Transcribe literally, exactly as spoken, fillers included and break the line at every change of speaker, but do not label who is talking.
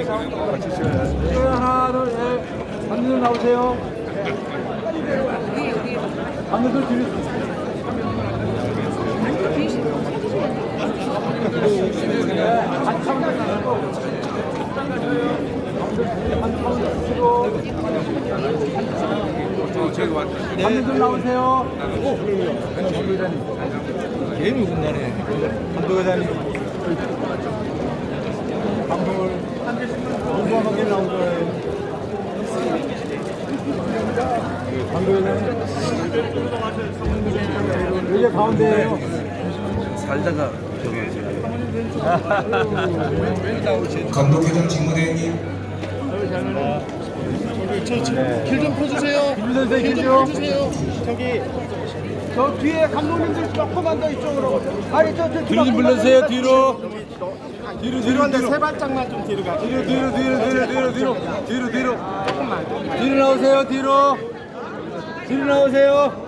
하나, 둘, 셋. 감독님 나오세요. 감독님 뒤로. 감독님 나오세요.
게임이 끝나네.
감독회장님. 감독을 공부하게 나오죠. 감독회장님. 여기 가운데에요.
살다가
감독회장 직무대행님.
길 좀 펴주세요.
김 선생
길 좀
계시죠?
펴주세요.
저기 저 뒤에 감독님들 조금만 더 이쪽으로. 아니 저 저
뒤로 좀 불러주세요. 뒤로.
뒤로 뒤로 한데 세 발짝만 좀 뒤로 가. 뒤로 뒤로 뒤로 뒤로 뒤로 뒤로 뒤로 뒤로 조금만. 뒤로 나오세요. 뒤로. 뒤로 나오세요.